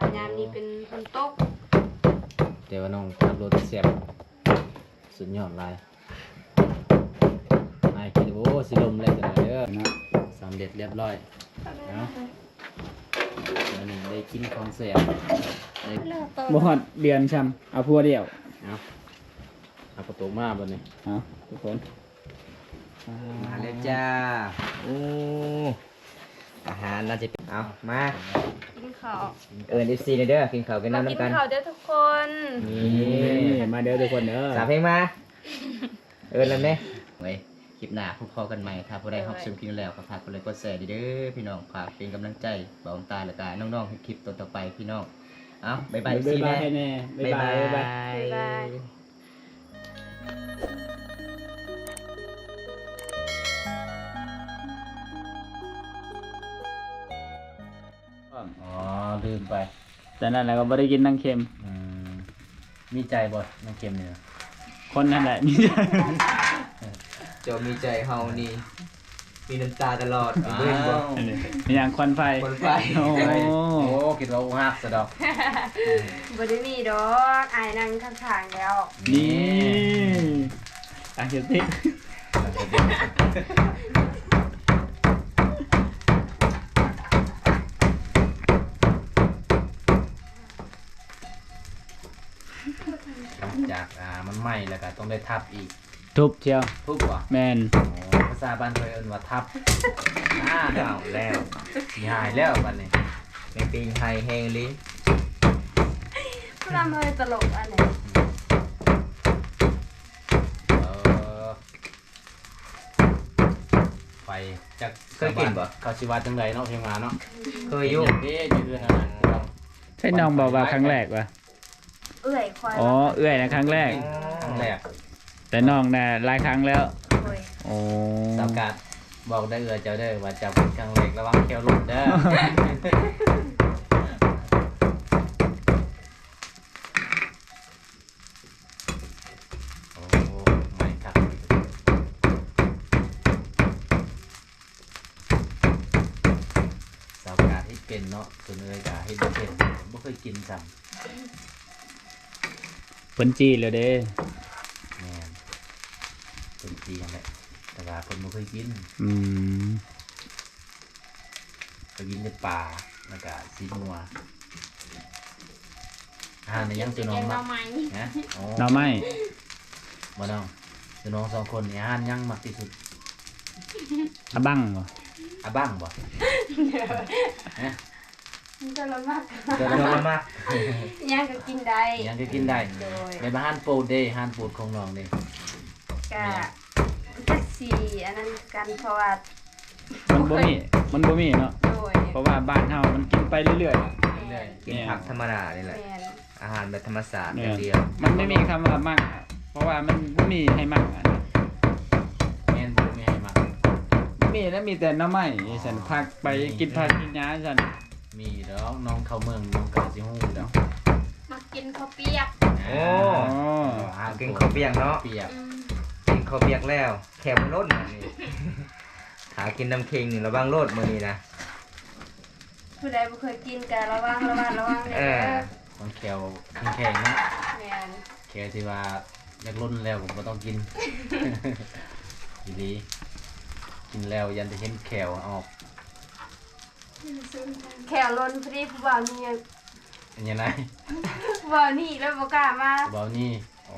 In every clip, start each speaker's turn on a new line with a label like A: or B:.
A: ยามนี้เป็นคนตก
B: แต่ว่าน้องขับรถเสียบสุดยอดลายนายคิดโอ้สิลมเลยจังเลยเด้อนะสำเร็จเรียบร้อยเนาะวันนี้ได้กินของเสียบได้
C: บ่ฮอดเดือนซ้ำเอาพัวเดียว
B: เอาประตูมาบนนี้
C: เอาทุกคน
D: มาเลยจ้าโอ้อาหารน่าจะเป็นเอามา
A: กินข้าว
D: FC ในเด้อกินข้าวกันน้ำ
A: กิน
D: น้ำกัน
A: ข้าวเด้อทุกคน
D: นี่
C: มาเด้อทุกคนเด้อ
D: สามเพลงมาแล้วไหม
B: ไว้คลิปหน้าพบกันใหม่ครับผู้ใดรับชมคลิปแล้วก็ฝากกดไลค์กดแชร์เด้อพี่น้องฝากเป็นกำลังใจบ่าวตาและกันน้องๆให้คลิปต่อไปพี่น้องเอาบ๊ายบาย
C: บ๊าย
D: ซี
C: บาย
D: แม่
C: ให้แน่บ๊ายบายบ๊ายบาย
A: บ๊ายบาย
B: อ๋อลืมไป
C: แต่นั่นแหละก็บ่ได้กินน้ำเค็ม
B: มีใจบ่น้องเค็มเนี่ย
C: คนนั่นแหละนี่
D: เจ้ามีใจเฮานี่มีน้ำตาตลอดเบิ่งบ่
C: มีอย่างควันไฟ
D: คนไฟ
C: โอ้
B: โอ้คิดว่าอุ้งหักสะดอก
A: บ่ได้มีดอกอายนั่งข้างๆแล้ว
C: นี่อ่ะเดี๋ยวติ
B: หลังจากมันไหม้แล้วก็ต้องได้ทับอีก
C: ทุบเชียว
B: ทุบว่ะ
C: แมน
B: ภาษาบ้านเคยเอิ้นว่าทับ
D: เอาแล้ว
B: สิหายแล้วบัดนี้
D: ในปีงไฮแฮงลิ
A: ผู้นำเฮยตลกอันไหน
B: เออไปจาก
D: เคยกินบ่
B: เขาสิว่าจังไดเนาะเพียงมาเนาะ
D: เคยอยู่
B: เด้อยู่ด้วยนั่นน่ะ
C: ใช่น้องบอกว่าครั้งแรกวะ
A: เอื้อยคอย
C: อ๋อเอื้อยนะครั้งแรก
B: ครั้งแรก
C: แต่น้องน่ะหลายครั้งแล้ว
A: โอ้ย
C: โอ้
B: สาวกาดบอกได้เจ้าเด้อว่าจะเป็นครั้งแรกระวังแควหลุดเด้อ โอ้ไม่ครับสาวกาดให้เป็นเนาะส่วนเอ้ยกาให้บ่เป็นบ่เคยกินซ้ำ
C: เพิ่นจีเลยเด้
B: แม่นเป็นจีนแหละแต่ว่าคนบ่เคยกิน
C: อืม
B: เคยกินในป่าแล้วก็ซีนัวอาหารในยังสิน้องมักนะโอ้
C: หน่อไม้
B: บ่น้องสิน้องสองคนนี่อาหารยังมักที่สุด
C: อะบังบ่
B: อะบ้างบ่ฮะ
A: มันจะละมาก
B: เจอ
D: เย
B: แล้ว
D: อะ
B: มั้ย
D: มาก
A: ยังก็กินได้
B: ยังก็กินได้
A: โดย
B: ในบ้านโปรดเด้อาหารโปรดของน้องเด้
A: กะจักสีอันนั้นกันเพราะว่า
C: มันบ่มีเนาะ
A: โดย
C: เพราะว่าบ้านเฮามันกินไปเรื่อย
B: เรื่อย
D: กินผักธรรมดานี่แหละ
A: แมน
D: อาหารแบบธรรมศาสตร์
C: ๆ
D: อย่างเดียว
C: มันไม่มีคำว่ามั่งเพราะว่ามันบ่มีให้มั่งอะ
B: ๆแม่นบ่มีให้มัก
C: มีแล้วมีแต่หน้ำไม้ฉันพักไปกินผักกินหญ้าฉัน
B: มีดอกน้องเข้าเมืองน้องก็สิฮู้ดอก
A: มากินข้าวเปียก
D: โอ้
B: อาหาร
D: กินข้าวเปียกเนาะ
B: เปียก
D: กินข้าวเปียกแล้วแคบรถนี่ หากินน้ำเค็งระวังรถมื้อนี้นะ
A: ผู้ใดบ่เคยกินกะระวังเลยเด้อ
B: ของแขวแข็งๆนะ
A: แมน
B: แขวที่ว่าอยากล้นแล้วผมบ่ต้องกิน ดีๆกินแล้วยันจะเห็นแขวออก
A: แขวล้นพอดีผู้บ่าวนี่
B: อันยังไง
A: ผู้บ่าวนี่แล้วบ่กล้ามา
B: เบานี่อ๋อ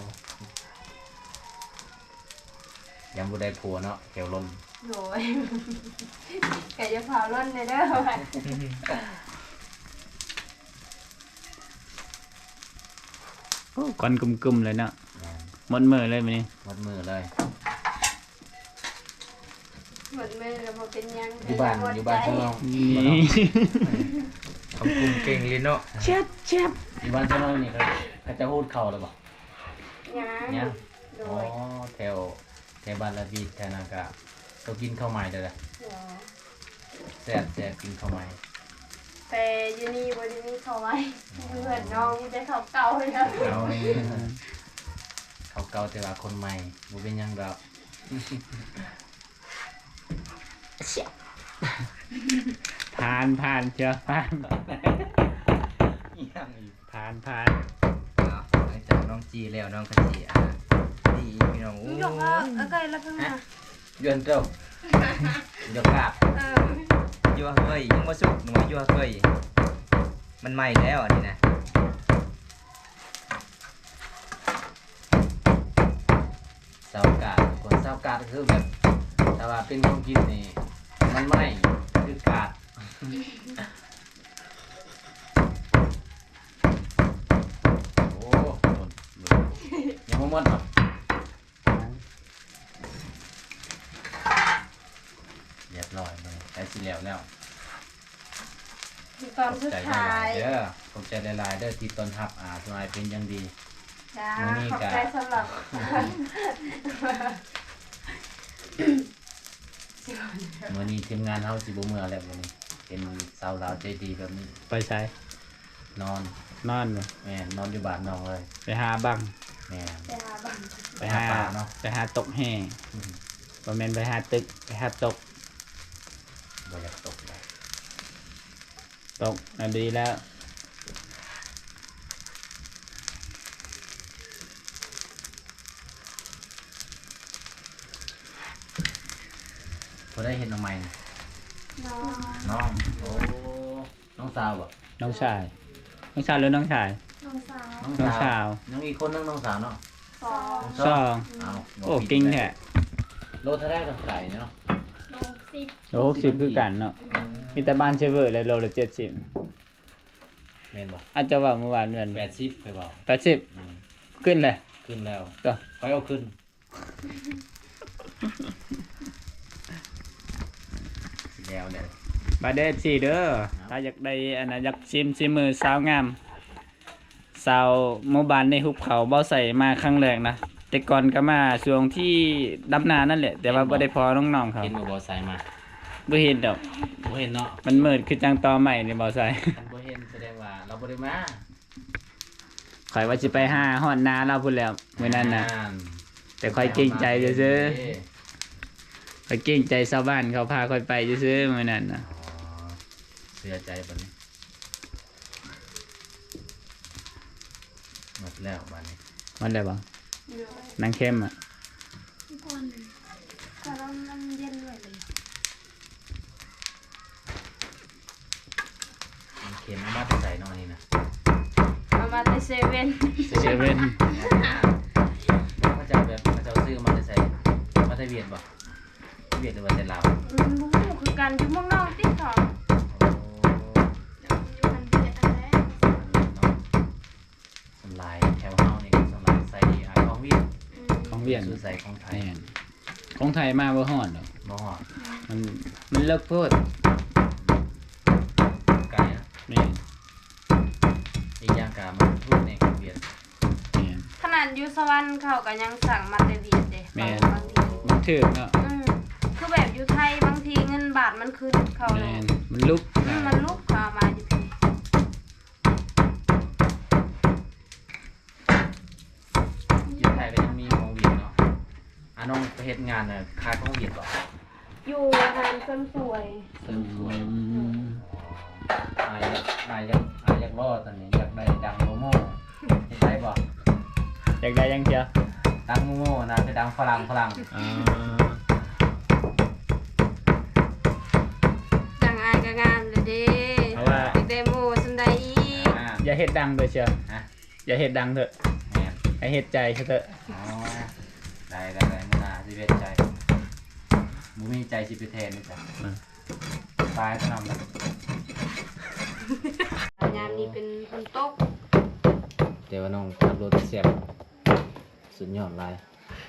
B: ยังบ่ได้ผัวเนาะแขวล้น
A: โดยกะจะเผาล้นเลยเด้อ
C: โอ้ควันกลุ่มๆเลยเนาะ
B: แม่น
C: หมดมือเลยมื้อนี้
B: หมดมือเลย
A: หมดมือแล้วบ่เป็นหยัง
B: อยู่บ้านอยู่บ้านข้างนอก
C: นี่
D: คำคุมเก่งลินเนาะ
C: เช็ดเช็ด
B: อยู่บ้านข้างนอกนี่เขาจะพูดเข่าหรือเปล่า
A: ยัง
B: เนี่ย
A: โด
B: อ๋อย แถวบ้านละบีดแถวนั้นก็ต้องกินข้าวใหม่เด้อ
A: เดี๋ยว
B: แซ่บกินข้าวใหม่
A: แต่อยู่นี่บ่ได้มีเขาไว้เพื่อนน้องมีแต่เขาเก่าเลยนะ
B: เขาเก่าแต่ว่าคนใหม่บ่เป็นหยังดอก
C: ผ่านเชียวผ่าน
B: ยังอีก
C: ผ่าน
B: เอาหลังจากน้องจีแล้วน้องกะจีดีพี่น้องโอ้
A: ยกเอาไก่ละเพิ่งมา
B: ยวนเจ้า ยกกาบยัวเฮ้ยยังมาสุกหนูยัวเฮ้ยมันใหม่แล้วอันนี้นะเสากาดคนเสากาดคือแบบถ้าว่าเป็นของกินนี่มันไหม้คือกาดโอ้ยังไม่หมดหรอเรียบร้อยเลยได้สิแล้ว
A: ตอนสุดท้าย
B: เด้อขอบใจหลายๆเด้อที่ต้อนรับสมัยเป็นอย่างดี
A: จ้าขอบใจสำหรับ
B: มื้อนี้ทีมงานเฮาสิบ่เมื่อแล้วมื้อนี้เป็นสาวลาวใจดีแบบนี้
C: ไปใช้
B: นอน
C: นอนบ่
B: แม่นนอนอยู่บ้านน้องเลย
C: ไปหาบัง
B: แม่น
A: ไปหาบัง
C: ไปหา
B: ป่าเนาะ
C: ไปหาตกแห่บ่แม่นไปหาตึกไปหาตก
B: บ่อยากตกเลย
C: ตกน่ะดีแล้ว
B: บ่ได้เห็นน้องใหม่นี่
A: น้อง
B: น้องโอ้น้องสาวบ่
C: น้องชายหรือน้องชาย
A: น้องสาว
B: น้อง
C: น้องสาว
B: น้องอีกคนนึงน้องสาวเนาะ
A: สอง
C: สอง
B: เอาบ่
C: โอ้
B: ผิด
C: เก่งแท้
B: โลเท่าได้ต้องใส่เนาะ
A: น้องสิบ
C: โล60คือกันเนาะมีแต่บ้านเชฟเวอร์เลยโลละ70
B: แม่นบ่
C: อาจจะว่าเมื่อวานเดือน
B: 80ไปบ่
C: 80
B: อืม
C: ขึ้นเลย
B: ขึ้นแล้ว
C: ก็
B: ไปเอาขึ้นแล้วเนี่ย
C: มาเด้อสิเด้อถ้าอยากได้อันน่ะอยากชิมมือสาวงามสาวหมู่บ้านในหุบเขาบ่ใส่มาครั้งแรกนะแต่ก่อนก็มาช่วงที่ดำนานั่นแหละ แต่ว่าบ่ได้พอน้องๆเขา
B: เห็นบ่ใส่มา
C: บ่เห็นดอก
B: บ่เห็นเนาะ
C: มันมืดคือจังตอใหม่นี่บ่ใส่
B: คันบ่เห็นแสดงว่าเราบ่ได้มา
C: ข่อยว่าสิไปหาฮอดนาเราพุ่นแล้วมื้อนั้นน่ะแต่ข่อยเกรงใจซื่อๆข่อยเกรงใจชาวบ้านเขาพาข่อยไปซื่อๆมื้อนั้นน่ะ
B: อ๋อเสียใจบัดนี้หมดแล้วบัดนี้
C: มันได้บ่
A: เดี๋ยวน
C: างเข้มอ่ะ
A: ทุกคนก็ต้องน้ำเย็นไว้เลย
B: มันเข็มเอามาแต่ใส่เนาะนี่นะ
A: เอามาในเซเว่น
C: เซเว่น
B: เขาจะแบบเขาจะซื้อมาแต่ใส่มาแต่เวียดบ่เวียดหรือว่าแต่ลาว
A: บู๊คือกันอยู่เมืองนอกติ๊กถอด
B: โอ้
A: อยู่มันเบียดอันแรก
B: เนาะสำลายแถวเฮานี่ก็สำลายใส่ของเวียด
C: ของเวียน
B: ซื้อใส่ของไทย
C: แม่นของไทยมาบ่ฮอดดอก
B: บ่ฮอด
C: มันเลิกโพด
B: ไกลนะ
C: แม่น
B: อีกอย่างกามันพูดในของเวียด
C: แม่น
A: ขนาดอยู่สวรรค์เขาก็ยังสั่งมาแต่เบียดเด้
C: แม่น
A: บางที
C: มันถึกเนาะ
A: คือแบบอยู่ไทยบางทีเงินบาทมันขึ้นเขาเล
C: แม่
A: ย
C: นมันลุก
A: มันลุกเขามาอยู่พี่
B: อยู่ไทยก็ยังมีของเวียดเนาะน้องไปเฮ็ดงานน่ะขายของเวียดบ่
A: อยู่งานเสริมสวย
B: เสริมสวย
C: อืม
B: อายากรอดตอนนี้อยากได้ดังโมโม่เห็นได้บ่
C: อยากได้ยังเชียว
B: ดังโมโม่นะจะดังฝรั่ง
C: อ่า
A: ดังอายก็งามเลยเด้
C: เพราะว่า
A: ติดเดโมสันไดอีก
C: อย่าเฮ็ดดังเลยเชียว
B: ฮะ
C: อย่าเฮ็ดดังเถอะ
B: แม่น
C: ให้เฮ็ดใจเถอะ
B: อ๋อได้มื้อหน้าสิเวทใจบ่มีใจสิไปแทนนี่จ้ะตายซะนำแล้ว
A: งานนี้เป็นคนตก
B: แต่ว่าน้องขับรถเสียบสุดยอดหลาย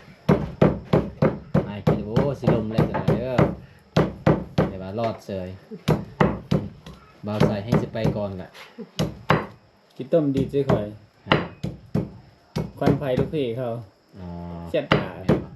B: อายคิดว่าโอ้สิลมเลยจังได๋เด้อแต่ว่ารอดเสยบ่าวใส่ให้สิไปก่อนกะ
C: กินต้มดีซื่อข่อย
B: ฮะ
C: ควันไฟลูกพี่เขา
B: อ๋อ
C: เสียดตา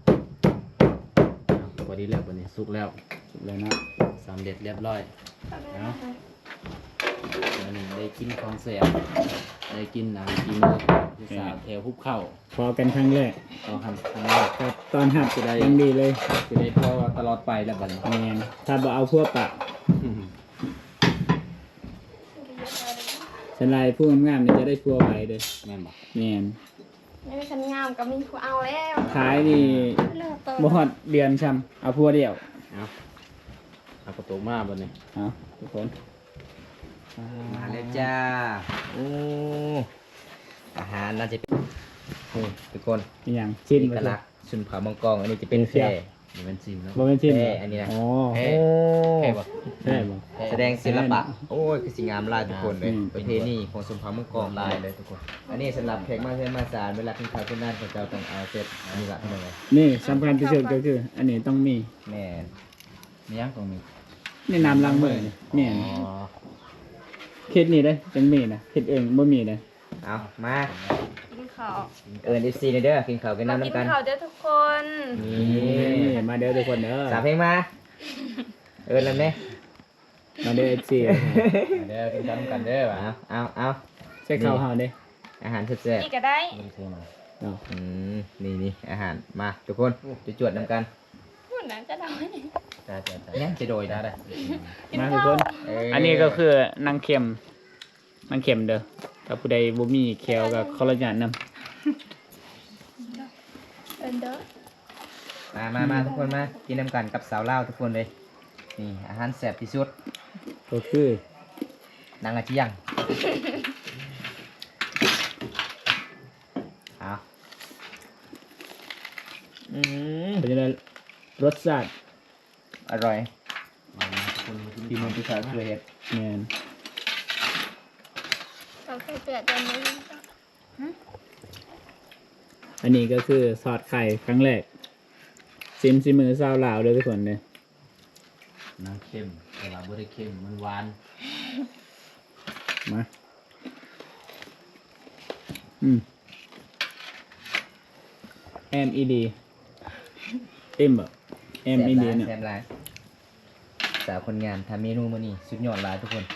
B: พอดีแล้ววันนี้สุกแล้ว
C: สุดเลยเนาะ
B: สำเร็จเรียบร้อยเนาะวันนี้ได้กินของเสียได้กินกินที่สาวแถวภูเขา
C: พอกันครั้งแรก
B: ต่อคำครั้งแรก
C: ครับตอนหัดจะได้ยังดีเลย
B: จะได้พอตลอดไปแล้วบัดนี้
C: แม่นถ้าบ่เอาพวกปะสลายผู้งามๆนี่จะได้พัวไวเด้อ
D: แม่นบ่
C: แม่น
A: ไม่มีคันงามก็มีผู้เอาแล้ว
C: ขายนี่
A: เลิกเปิด
C: บ่ฮอดเดือนซ้ำเอาพัวเดียว
E: เอากระตุกมาบ่นี่
C: เอาทุกคน
D: มาแล้วจ้าโอ้อาหารน่าจะเป็นนี่ทุกคน
C: อีหยังชิ้น
D: เอก
C: บ่
D: ลักษณ์ชุนผามังกรอันนี้จะเป็นแพร่
E: มันเป็นซิมแล้ว
C: บ่แม่นชิ้น
D: แพร่อันนี้นะ
C: อ๋อ
D: โอ้
E: แพร่บ่
C: ใช่บ่
D: แสดงศิลปะโอ้ยคือสิงามหลายทุกคนเลย
C: อืม
D: ประเพณีของชุนผามังกรหลายเลยทุกคน อันนี้สำหรับแขกมาเพื่อนมาศาลเวลาขึ้นข่าวขึ้นด้านของเจ้าต้องเอาเสร็จอันนี้ละเท่านั้นเลย
C: นี่สำคัญที่สุดก็คือ อันนี้ต้องมี
D: แม่น
E: มียังตรงนี้
C: นี่น้ำล้างมือนี่แม่น
E: อ๋อ
C: เฮ็ดนี่เด้อจังมีนะเฮ็ดเองบ่มีเด้อ
D: เอามา
A: กินข้าว
D: เอิญ FC ในเด้อกินข้าวกัน
A: มา
D: น้ำ
A: กิน
D: น้ำกัน
A: ข้าวเด้อทุกคน
D: นี่
C: นี่มาเด้อทุกคนเด้อ
D: สามเพลงมา เอิญแล้วไหม
C: มาเด้อ FC
E: เดี๋ยวกินกันกันเด้อว่ะ
D: เอา
C: ใส่ข้าวเฮาเด้อ
D: อาหารแซ่บ
A: นี่ก็ได้
E: มันเท่มา
C: เอา
D: ๆนี่อาหารมาทุกคนจะจวดน้ำกัน
A: พูดนั้นจะได้
E: จ้า
D: ยังจะโดย
E: ได้
D: นะ
E: ได้
A: กิน
C: มาทุก
A: ข้า
C: คว น อันนี้ก็คือนางเข็มนางเข็มเด้อถ้าผู้ใดบ่มีแคลก็ขออนุญาตนำ
A: เอินเด้อ
D: มาทุกคนมากินน้ำกันกับสาวเล่าวทุกคนเลยนี่อาหารแซ่บที่สุด
C: ก็คือน
D: างอาชียังเอา
C: เป็นจังได๋รสชาติ
D: อร่อย
E: คนมากิน
D: ที่มันที่สาวช่วยเฮ็ด
C: แม่น
A: เราใส่เปลือกกันไหม
C: อันนี้ก็คือซอสไข่ครั้งแรกซิมมือชาวลาวเด้อทุกคนเด้อ
E: น้ำเค็มแต่ว่าบ่ได้เค็มมันหวาน
C: มาMED เอ็มบ่MED เนี่ย
D: แซ่บหลายสาวคนงานทำเมนูมื้อนี้สุดยอดหลายทุกคน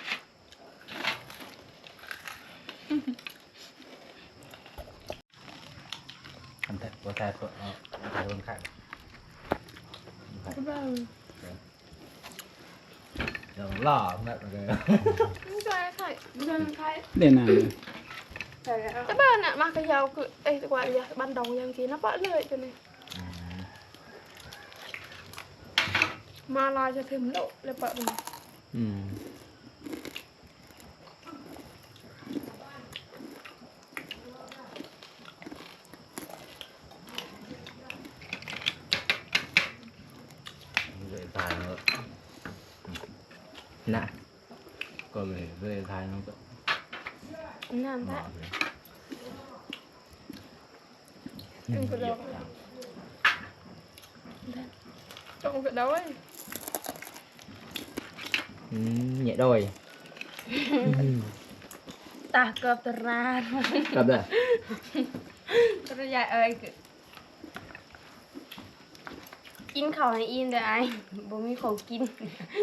E: ทำแต่บ่ทายตัวเอาทายคนไข้
A: ก็บ้าง
E: เดี๋ยวล่อแบบเลย
A: ไม่ใช่ไข่ไม่ใช่ไข่
C: เด่นหน้าเลย
A: ใช่แล้วแต่บ้านน่ะมากระยาวคือเอ้ยกว่าอย่าบ้านดองยังกินนะปะเลยจังเลยมาลายจะถึงโลเลยปะมัน
E: เลยทายแล้ว
D: นะ
E: ก็เลยทายมันก็
A: น้ำ
E: หม
A: แท้
E: อเลย
A: ตึงกระดองตรงกระดอง
D: nhẹ đôi
A: ตาเกือบตรา
D: gặp rồi
A: กระยายเอ้ยกินข้าวให้อินเด้อไอ้บ่มีของกิน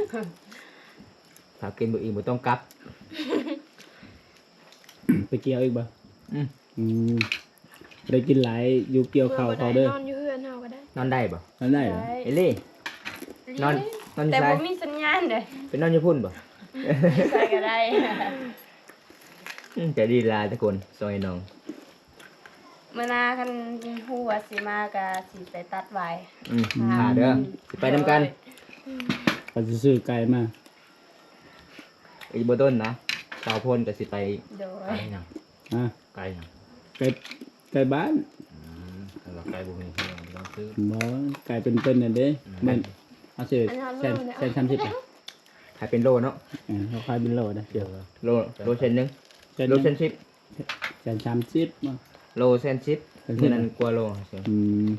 D: thảo kinh bự một tông cắp
C: ไปเกี่ยวอีกบ่
D: อืม
C: อืมได้กินหลายอยู่เกี่ยวข้าวเขาเด้อน
A: อนอยู่เฮือนเฮาก็ได้
D: non đây bảo
C: นั่นได้เหรอ
D: ê ly non non
A: แต่
D: như
A: บ่
D: sai
A: มีสัญญาณเด้อ
D: phải non như phun bảo
A: ใส่ก็ได้
D: chạy đi là tất cồn rồi nòng
A: มื้อหน้าคันฮู้ว่าสิมาก็สิไปตัดไว้
D: thả nữa thì phải đâm căn
C: ก็สิซื้อไก่มา
D: ý bữa tôn nè tàu phun cả xịt bay
A: โดย
E: ไก่ยัง
C: อ่ะ
E: ไก่ยัง
C: ไก่บ้าน
E: แต่ว่าไก่บุมีเพื่อนต้องซื้อ
C: บ่ไก่เป็นๆนั่นเด้แม่นเอาซื้อแสน30อ่ะ
D: hai bên lô nó
C: เขาขายเป็นโลนะเดี๋ยว
D: lô lô sen nưng
C: แสน
D: lô sen ship
C: แสน30มา
D: lô sen ship
C: Sen ship
D: nên
C: à?
D: ăn qua lô
C: อืม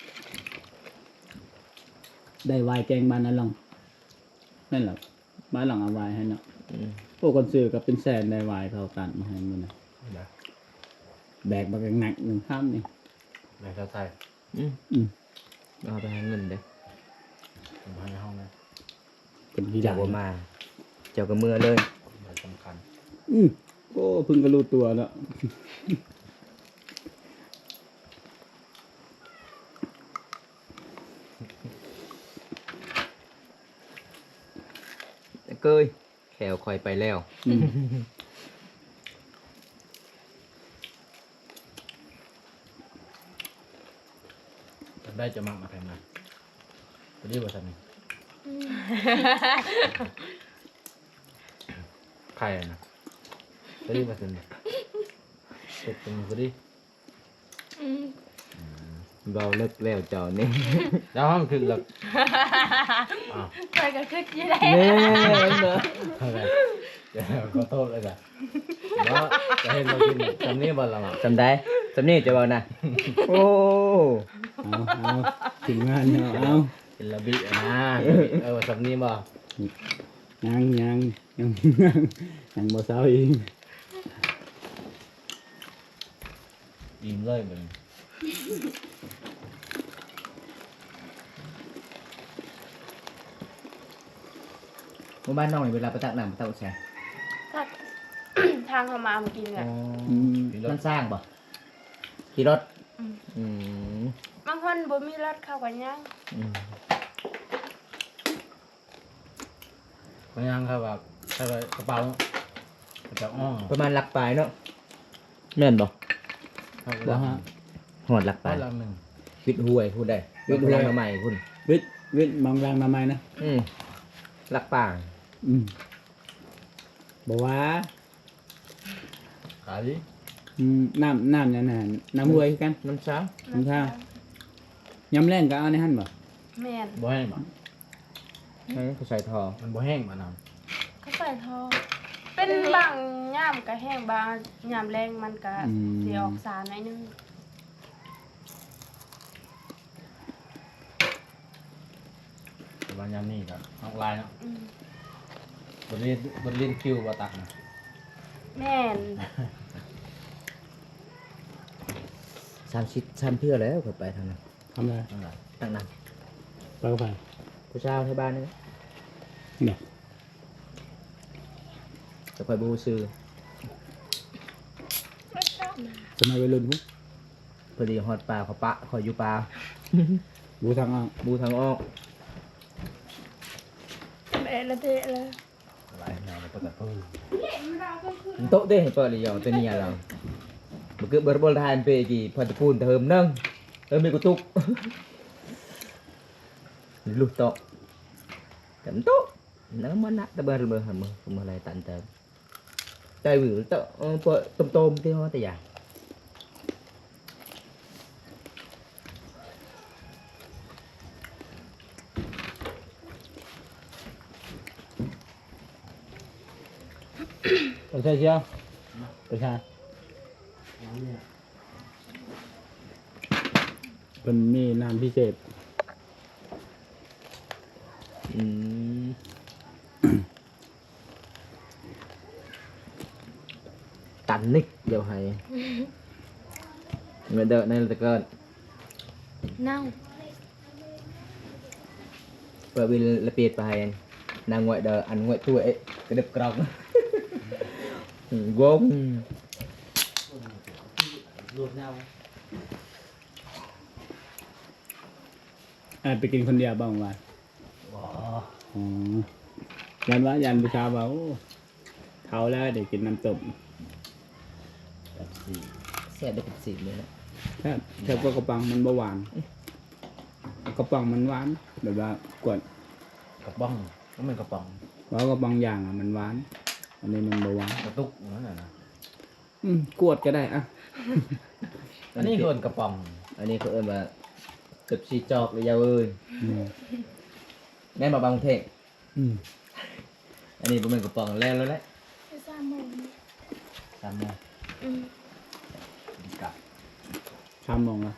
C: ได้วายแกงบ้านนั่นหรองนั่นเหรอบ้านหลังเอาวายให้เนาะพวกคนซื้อก็เป็นแสนได้วายเท่ากันมาให้มันนะแบกมาหนักหนึ่งข้ามนี่
E: ในเท้าไทย
D: เอาไปหาเงินเด้
E: ผมให้ในห้องนะ
C: เป็นที่
D: เจ้า
C: ใหญ่
D: บ่มาเจ้าก็เมื่อเลย
E: มันสำคัญ
C: โอ้เพึ่งก็รู้ตัวแล้ว
D: เกยแขวคอยไปแล้ว
C: อืม
E: ได้จะมักมาแพงมาไปดีกว่าสันนี่ใครนะไปดีกว่าสันนี่เป็ดเป็นไปดี
D: เราเลิกแล้วเจ้านี่
E: แล้วห้องคือแบบอ้าว
A: ใครก็คิดอยังไง
D: เนี่ยเนอะ
E: อะไรเดี๋ยวขอโทษเลยจ้ะแล้วจะเห็นเรากินจำนี้บ่ละมั้ง
D: จำได้จำนี่จะบอกนะโอ้
C: เอาถึงงานเนาะเอา
E: เป็นระเบียบนะจำนี้บ่
C: ยังบ่เศร้าอีก
E: ยิ้มเลยเหมือน
D: หมู่บ้านน้องนี่เวลาไปตักน้ำไปตักแช่
A: ตัด ทางเขามาเมื่อกี้เนี่ย
D: มันสร้างป่ะขี่รถอืม
A: บางคนบ่มีรถเข้ากันยัง
D: อืม
E: พยังครับแบบใส่กระเป๋าจะอ้อ
D: ประมาณหลักปลายเนาะแม่นบ่
E: บ่ฮะ
D: หอดหลักป
E: ไป
D: ลาย
E: ละหนึ่ง
D: วิทย์ห้วยพูดได้วิทย์ห้วยมาใหม่คุณ
C: วิทย์มองรังมาใหม่นะ
D: หลักป่า
C: บอกว่า
E: ขายดิ
C: น้ำอย่างนั้นน้ำห้วยคือกัน
D: น้ำช้าง
C: น้ำท่า ยำแรงก็เอาในหั่นบ่
A: แม่น
E: บ่แห้งบ่
D: นั่นคือใส่ทอ
E: มันบ่แห้งมาน
A: เขาใส่ทองเป็นบางย่ามก็แห้งบางย่ามแรงมันก็สิออกสารหน่อยนึง
E: ำแต่ว่ายามนี้ก็ออกลายเนาะ
A: อืม
E: บนเล่นคิวบ่ตักนะ
A: แม่น
D: 3 เทื่อแล้วค่อยไปทางนั้น
C: ทำอะไร
E: นั่นแหละ
D: ตักน้
C: ปลากระเพรา
D: ำผู้เช้าที่บ้านนี่
C: เนี่ย
D: จะค่อยบูซื้อ
C: สมัยวัยรุ่นพุ
D: พอดีฮอดปลาเขาปะขอยอยู่ปลา
C: บูทางอ้อ
D: บูทางออก
A: เละละเทะเลย
E: ลายแนวแล้วก็แต่ปื้อ
D: โต๊ะเด้เปิดเลยยองตัวนี้เราบ่คือบ่บ่ทานไปกี่พอตะปูนเติมนึงมีกุตุกลูกโต๊ะแต่โต๊ะnó mới nát nó bơ bơ hầm mà lại tận tận tay vừa tôm tôm cái hoa tay dài
C: Được chưa chưa? Được chưa? Phần mì làm phi sệt.
D: Tạnh nick dầu hay người đợi này là cơn
A: เน่า
D: bởi vì là biệt bài nàng ngoại đời ăn ngoại tuổi ấy cái đập còng gốm
C: ไปกินคนเดียวบ้างวะอ๋อยันวะยันประชาว่าโอ้เท่าแล้วเดี๋ยวกินน้ำตก
D: sẽ được xịn nữa
C: ถ้าพวกกระปังมันเบาหวานกระปังมันหวานแบบว่ากวด
E: กระป๋องก็เป็นกระป๋อง
C: เพราะกระปังอย่างอ่ะมันหวาน อันนี้มันเบาหวาน
E: กระตุกนั่นแหละนะ
C: กวดก็ได้อ่ะ
E: อันนี้คือกระป๋อง
D: anh ấy có ơn mà tập xì chọc với nhau ơi nên mà bằng thế
C: อืม
D: anh ấy mình có bằng lên luôn đấy
A: สามโมง
E: จำได้
A: อืม
E: กับ
C: ทำมองอ่ะ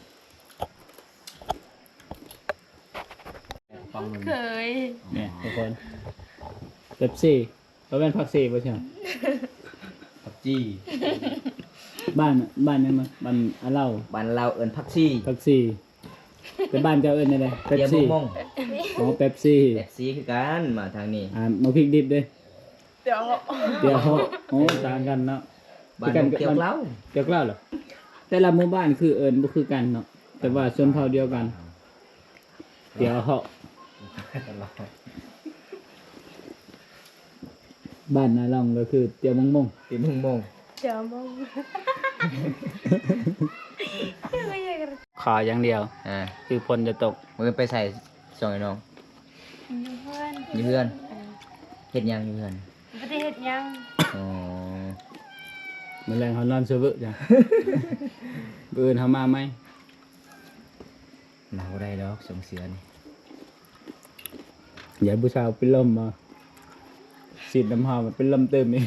E: กระป๋องมัน
A: เคย
C: เนี่ยทุกคนเป๊ปซี่เราเป็นพักซี่ป่ะใช่ไหม
E: ผักจี้
C: บ้านยังไงบ้านอาเล่า
D: bàn lao ơn phát xì
C: พักซี่แต่บ้านเจ้าเอิญอะไรเป๊ป
D: giờ
C: ซี่
D: mông mông
C: อ๋อเป๊ปซี่
D: đẹp xí cái cán mà thằng này
C: มาพริกดิบด้วย
A: เดี๋ยว
C: เดี๋ยวโอ้ต่างกันเนาะ
D: bàn
C: Cái
D: nông
C: cành-
D: kéo
C: bàn-
D: láo
C: เดี๋ยวกล่าวเหรอแต่ละหมู่บ้านคือเอิญบ่คือกันเนาะแต่ว่าชนเผ่าเดียวกัน เดี๋ยวเหาะ
E: ตลอด
C: บ้านนาลองก็คือเตียวมงมง
D: thì mông mông
A: เดี๋ยวมอง
B: ข
C: ขออย่างเดียว คือฝนจะตก
B: มือไปใส่ซองไอ้น้อง
A: อยู่เพื่อน
B: อยู่เพื่อนเฮ็ดหยังอยู่เพื่อน
A: บ่ได้เฮ็ดหยัง
B: อ๋อ
C: มื้อแรงเขานอนซื่อๆจ้ะ มื้ออื่นเขามาไหม
B: หนาวได้ดอกสงเสือนี่
C: อย่าผู้สาวเป็นลมมาสีดน้ำหอมมันเป็นลมเติมอีก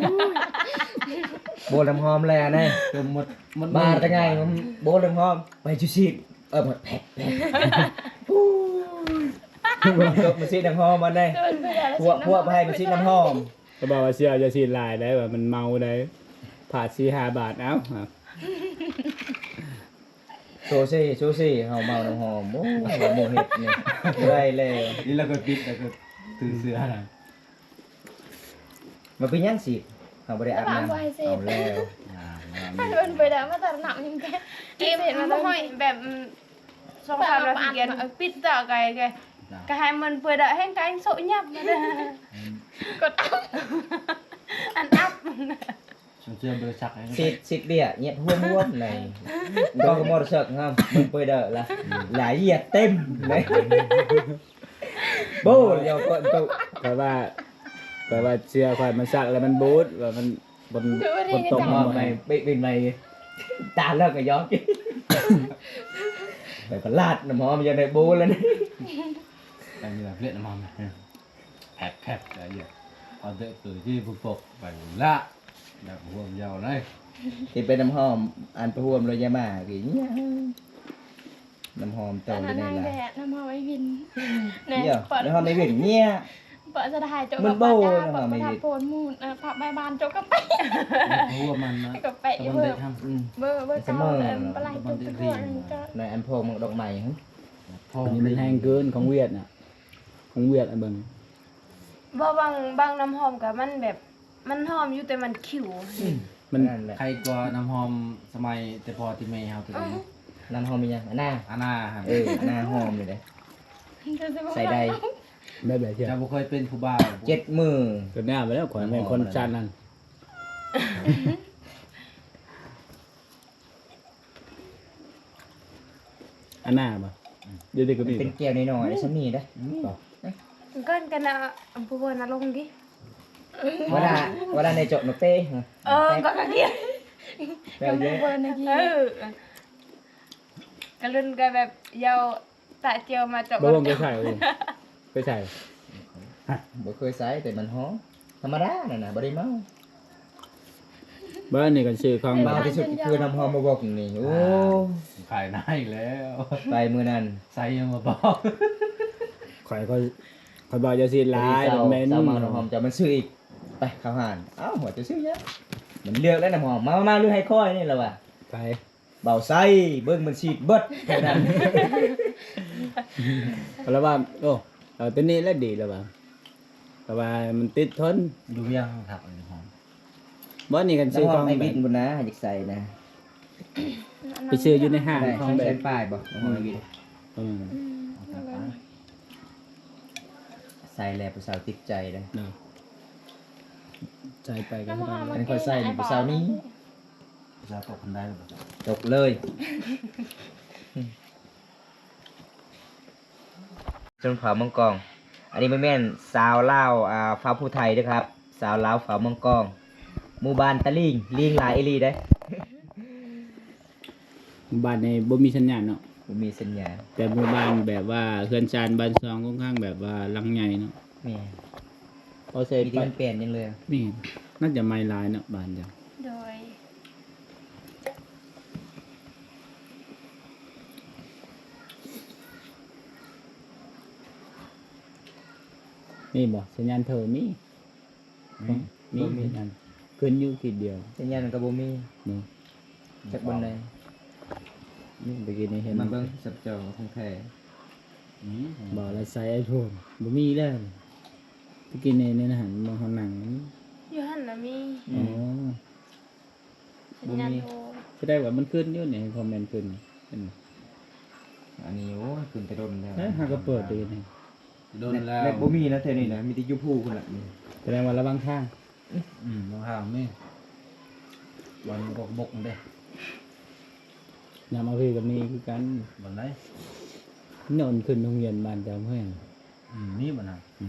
B: โบน้ำหอมแลแน่
E: จมหมด
B: มาได้ไงมันโบน้ำหอมไปจุชีดหมดแผลก็มาซีดน้ำหอมมันได้
A: เดินไปแล้ว
B: พวกไปให้มาซีดน้ำหอม
C: เขาบอกว่าเสียจะสีดลายได้ว่ามันเมาได้ผ่า4-5 บาทเอ้าครับ
B: โซซี่เฮาเมาน้ำหอมโอ้โมเฮ็ดนี่ได้เลย
E: นี่เราก็ปิดแล้วก็ตื่นเสือนะ
B: มันเป็นยังสิเฮาบ่ได้อาบน้ำเอาแล้ว
F: ถ้าเดินไปแล้วมาตัดหนักยังแก
A: เก็บเห็นมันห้อยแบบสองพันละเกียนปิดต่อไกก็ให้มันเปิดได้ให้กันโซยับมาเด้อกดอันอัพ
E: ฉันเชื่อเบอร์ชักให้
B: xịt bịa nhẹ huông này con có một sợ không mình bây giờ là lái nhiệt tem đấy bố giờ con tụ
C: แต่ว่าเชื่อควายมันสักแล้วมันบูดว่ามันบนตก
B: tụng
C: มา
B: mồm này bên này ta lơ cái gió kia phải còn lạt nó mồm giờ này bố lên
E: อันนี้แบบเล่นน้ำมันแผลอะไรอย่างเอาเด็กตื่นที่ผู้ปกไปละแบบห่วงยาวเลย
B: thì bên nấm hòm ăn phải huông rồi nha mà cái nhá nấm hòm
F: ตอน
B: tàu
F: นั้น
B: cái
F: นาง
B: này
F: แด
B: là
F: ดน้ำมาไว้วิน
B: nhá nấm hòm này biển nhá
F: เปิดสถานโจ
B: มั
F: กับ
B: นโบ้
F: ป้าจ้า
B: นะ
F: เปิด
B: ไม่
F: ประ
B: ดี
F: ทับโพนมูนผับใบบานโจกับไป
E: ห่วงมันนะ
F: กับไป
E: แต่มัน
F: เบอ
E: ได้
F: ร์
E: ท
B: ừ.
F: เบอร์เก้าปลายจุกกระทั่วนึงก็
B: này ăn phô một độc mày hả
E: ำพ่อ
C: อันนี้มันแห้งเกินของเวียดน่ะของเวียดอ่ะเบิ่ง
A: บ่บางน้ำหอมกับมันแบบมันหอมอยู่แต่มันขิว
C: มัน
B: นั่นแหละ
E: ใครกลัวน้ำหอมสมัยแต่พอที่เมย์เฮาตัวนี้
B: น้ำหอมมียังอันน่า
E: อาณาครับ
B: หน้าหอมเลยเด้ใส่ใด
C: แบบไหนเชียว
E: จะบุเคยเป็นผู้บ่าว
B: 7 มือ
C: ก็หน้าไปแล้วขวายเป็นคนชาตินั่นอันหน้าบ่เดี๋ยวก็มี
B: เป็นแก้วน้อยๆได้ชั้นนี้ได้
A: เกินกันนะอำเภอนาลงดิ
B: เวลาในโจนกเต้
A: ก็กะเกีย
B: แปลเยอะ
F: เบอร์ในที่
A: กะลุนก็แบบยาวตะเจียวมาจบ
C: บ่วงไปใส่ไปใส่
B: บ่เคยใส่แต่มันหอมธรรมดาน่ะนะบ่ได้เมา
C: บ้านนี่กันชื่อของ
B: เมาที่สุดคือน้ำหอมมาบอกนี่โอ้
E: ขายหน้าอีกแล้ว
B: ไปมื้อนั้น
E: ใส่ยังมาบอก
C: ข่อยเขาบอกจะสิหลายแบบเมน
B: เจ้าเมาน้ำหอมจะมันซื้ออีกไปเข้าหานเอ้าหัวจะซื้อเยอะมันเลือกแล้วน้ำหอมมาเลือกให้ค่อยนี่แหละว่ะ
C: ไป
B: เบาไส้เบิ่งมันฉีดเบิดแค่นั้น
C: แล้วว่าโอ้เอาตัวนี้แล้วดีแล้วว่าแต่ว่ามันติดทน
E: ดูยังครับน้ำหอม
C: บ้านนี่กันชื่อ
B: น้ำห
C: ข
B: อ
C: อ
B: ม
C: ง
B: ไอ้
C: แบ
B: บิ
C: บ
B: ดบุญนะอยากใส่นะ
C: ไปซื้ออยู่ในห้าง
B: ได้
C: ของแบ
B: ใช้
C: บ
B: ป้ายบ่น้ำหอมไอ้บิด ใส่แล้วผู้สาวติดใจเลย
C: เนาะใจไปกัน
F: น้ำหอม
B: อันนี้ค่อยใส่นี่ผู้สาวนี้
E: จะตกคนได้หรือเปล่า
B: จบเลยจนขาวมังกรอันนี้ไม่แม่นสาวลาวฟ้าผู้ไทยด้วยครับ สาวลาวฟ้ามังกรหมู่บ้านตะลิงลิงหลายอีหลีได้
C: บ้านในบ่มีสัญญาณเนาะ
B: บ่มีสัญญาณ
C: แต่หมู่บ้านแบบว่าเฮือนชานบ้านซองค่อนข้างแบบว่าหลังใหญ่เนาะ
B: แม่
C: พอเส
B: มี
C: ร็จ
B: ที่
C: ไป
B: มันเปลี่ยนยังเลย
C: นี่น่าจะไม่หลายเนาะบ้านจัง
A: โดย
C: นี่บ่สัญญาณเธอมีมีสัญญาณขึ้นอยู่ขีดเดียว
B: สัญญาณมันก็บ่มี
C: เนาะ
B: จากบนใด
C: นี่เมื่อกี้นี่เห็น
B: มันเบิ่งสับจอของแท้
C: บ่แล้วใส่ไอโฟนบ่มีแล้วเมื่อกี้ในหันมองเขาหนังนี่
A: อยู่หั่นน่ะมี
C: อ๋อ
A: สัญญาณโทร
C: แสดงว่ามันขึ้นอยู่ในคอมเมนต์ขึ้นเห็นไหม
B: อันนี้โอ้ยขึ้นแต่โดนแล้ว
C: เฮ้ยหาก็เปิดดูนี่
E: โดนแล้ว
B: ในบ่มีนะแท้นี่นะมีแต่ยูพูคนละนี่
C: แสดงว่าระวังทาง
E: รองเท้าไม่วันบกเด้
C: ยามเอาพี่กับมีคือกัน
E: บนไหน
C: นอนขึ้นโรงเรียนบ้านเจ้าเพื่อน
E: นี่บนไหน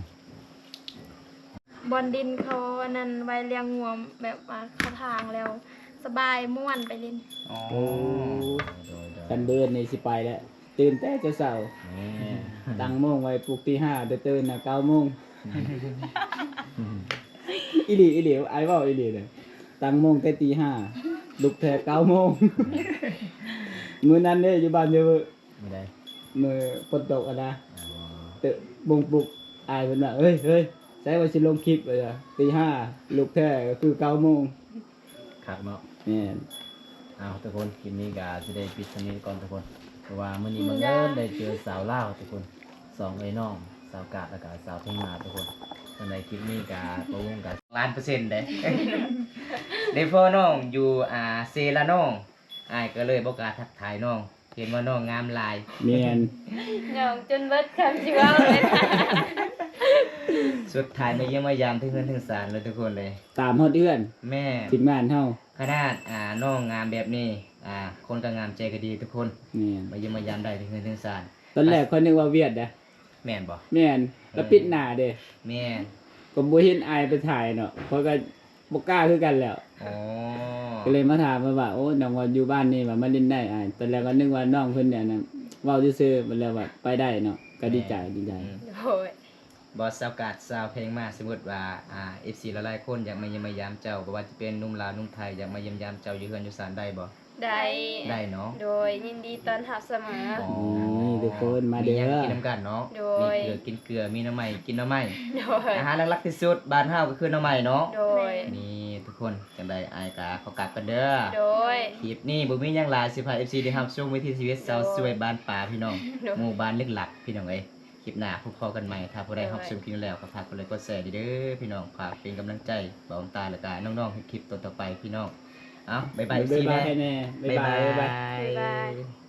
F: บอลดินเขาอันนั้นไว้เลี้ยงงัวแบบว่าเข้าทางแล้ว สบายม่วนไปเล่น
B: อ๋อ
C: โอ้
B: โดย
C: กันเบิดในสิไปแล้วตื่นแต่เช้า
B: นี่
C: ๆตั้งโมงไว้ปลุกตีห้าแต่ตื่นน่ะ9 โมงอีหลีไอ้เว้าอีหลีเนี่ยตั้งโมงแต่ตีห้าลุกแต่9 โมงมื้อนั้นเด้อยู่บ้านเด้อ
B: ไม่ได้
C: มื้อฝนตกอะนะเตะบงปลุกอายเพิ่นว่าเฮ้ยใส่ว่าสิลงคลิปเลยอะตีห้าลุกแท้ก็คือ9 โมง
B: ครับเนาะ
C: แม่น
B: เอาทุกคนคลิปนี้ก็จะได้ปิดตรงนี้ก่อนทุกคนเพราะว่ามื้อนี้บังเอิญได้เจอสาวลาวทุกคน2ไอ้น้องสาวกาดแล้วก็สาวเพ่งมาทุกคนในคลิปนี้ก็บ่วงกัน1,000,000%เด้ ได้พ่อน้องอยู่เซลาน้องอ้ายก็เลยบ่กล้าทักทายน้องเห็นว่าน้องงามหลาย
C: แม่น
A: หยองจนเบิดคำสิเว้าเลยนะ
B: สุดท้ายมาเยี่ยมมายามถึงเงินถึงศาลเลยทุกคนเลย
C: ตามฮอดเอื้อน
B: แม่
C: ทีมงานเฮา
B: ขนาดน้องงามแบบนี้คนก็งามใจก็ดีทุกคน
C: แม่น
B: มาเยี่ยมมายามได้ถึงเงินถึงศาล
C: ตอนแรกเขานึกว่าเวียดนะ
B: แม่นบ่
C: แม่นแล้วปิดหน้าเด้
B: แม่น
C: ก็บ่เห็นอายไปถ่ายเนาะเพราะก็บ่กล้าคือกันแล้ว
B: อ๋อ
C: ก็เลยมาถามว่าโอ้น้องว่าอยู่บ้านนี่ว่ามาเล่นได้อายตอนแรกก็นึกว่าน้องเพิ่นเนี่ยนะเว้าซื่อๆมันแล้วว่าไปได้เนาะก็ดีใจ
B: อืม
A: โอ้ย
B: บอสสาวกาดสาวเพลงมาสมมุติว่าFC หลายๆคนอยากมาเยี่ยมมายามเจ้าบ่ว่าจะเป็นหนุ่มลาวหนุ่มไทยอยากมาเยี่ยมยามเจ้าอยู่เฮือนอยู่ศาลได้บ่
A: ได้
B: ได้เนาะ
A: โดยยินดีต้อนรับเสมอ
B: อ๋อ
C: นี่ทุกคนมาเด้อ
B: หยังกินน้ำกันเนาะ
A: โด
B: มี
A: ย
B: เกลือกินเกลือมีหน้ำใหม่กินหน้ำใหม่
A: โดย
B: อาหารหลักๆที่สุดบ้านเฮาก็คือหน้ำใหม่เนาะ
A: โดย
B: นี่ทุกคนจังไดอายกาเขากลับกันเด้อ
A: โดย
B: คลิปนี้บ่มีหยังหลายสิพา FC ได้รับชมวิถีชีวิตสาวสวยบ้านป่าพี่น้อง
A: โดย
B: หมู่บ้านลึกหลักพี่น้องเอ้ยคลิปหน้าพบกันใหม่ถ้าผู้ใด
A: โดย
B: รับชมคลิปนี้แล้วก็ฝากกดไลค์กดแชร์เด้อพี่น้องฝากเป็นกำลังใจบ่าวตาแล้วก็น้องๆให้คลิปต่อๆไปพี่น้องเอ้าบ๊ายบาย
C: บ๊าย
B: FC
C: บาย
B: แน่
C: แน่บ๊ายบาย
A: บ๊ายบาย